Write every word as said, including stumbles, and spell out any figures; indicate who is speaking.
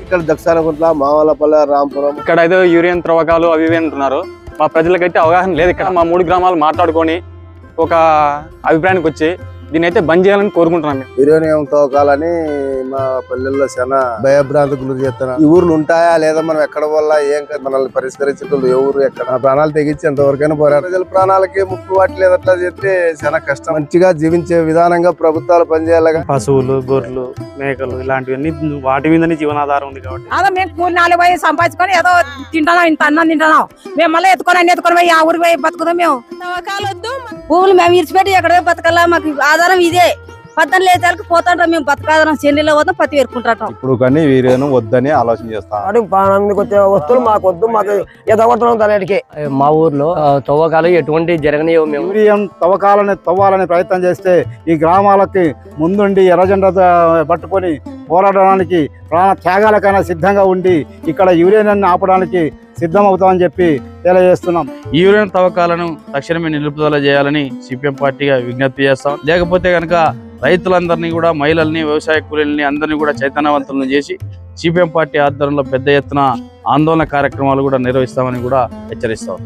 Speaker 1: ఇక్కడ దక్షిణకుంట్ల మావలపల్లె రాంపురం
Speaker 2: ఇక్కడ ఏదో యూరియన్ త్రవ్వకాలు అవి ఇవి అంటున్నారు. మా ప్రజలకైతే అవగాహన లేదు. ఇక్కడ మా మూడు గ్రామాలు మాట్లాడుకొని ఒక అభిప్రాయానికి వచ్చి దీని అయితే బంద్ చేయాలని కోరుకుంటున్నాం.
Speaker 1: యురేనియం తవ్వకాలని మా పల్లెల్లో చాలా భయభ్రాంతికి గురి చేస్తున్నారు. ఈ ఊర్లు ఉంటాయా లేదా, మనం ఎక్కడ వల్ల ఏం మనల్ని పరిష్కరించేటోళ్ళు ఎవరు ఎక్కడ, ప్రాణాలు తెగించి ఎంతవరకైనా పోరాడు. ప్రజల ప్రాణాలకి ముప్పు వాటి అట్లా చెప్తే చాలా కష్టం. మంచిగా జీవించే విధానంగా ప్రభుత్వాలు పనిచేయాలిగా.
Speaker 3: పశువులు, గొర్రెలు, మేకలు ఇలాంటివన్నీ వాటి మీదనే జీవనాధారం ఉంది కాబట్టి
Speaker 4: అదో మేము కూలి నాలుగు పోయి సంపాదించుకొని ఏదో తింటున్నాం, ఇంత అన్నం తింటున్నాం. మేము మళ్ళీ ఎత్తుకొని అన్ని ఎత్తుకొని పోయి ఆ ఊరికి పోయి బతుకుతాం. మేము భూములు మేము ఇరిచిపెట్టి ఎక్కడ బతకాలా, మాకు ఆధారం ఇదే. పద్దెనిమిది లేచాలకు పోతాంటాం మేము, బతకాధారం చెన్నీలో పోతాం, పత్తి పెరుకుంటాం.
Speaker 5: ఇప్పుడు కానీ వీరేను వద్దని ఆలోచన చేస్తాం.
Speaker 6: ప్రాణానికి వచ్చే వస్తువులు మాకు వద్దు, మాకు ఎదగొట్టడం తనటికి.
Speaker 7: మా ఊర్లో తవ్వకాలు ఎటువంటి జరగనియో. మేము
Speaker 5: యూరియం తవ్వకాలని తవ్వాలని ప్రయత్నం చేస్తే ఈ గ్రామాలకి ముందుండి ఎర్రజెండా పట్టుకొని పోరాడడానికి ప్రాణ త్యాగాలకైనా సిద్ధంగా ఉండి ఇక్కడ యూరియన్ ఆపడానికి సిద్ధమవుతామని చెప్పి తెలియజేస్తున్నాం.
Speaker 8: ఈ యూరియన్ తవ్వకాలను తక్షణమే నిలుపుదల చేయాలని సిపిఎం పార్టీగా విజ్ఞప్తి చేస్తాం. లేకపోతే కనుక రైతులందరినీ కూడా, మహిళల్ని, వ్యవసాయ కూలీలని అందరినీ కూడా చైతన్యవంతులను చేసి సిపిఎం పార్టీ ఆధ్వర్యంలో పెద్ద ఎత్తున ఆందోళన కార్యక్రమాలు కూడా నిర్వహిస్తామని కూడా హెచ్చరిస్తాం.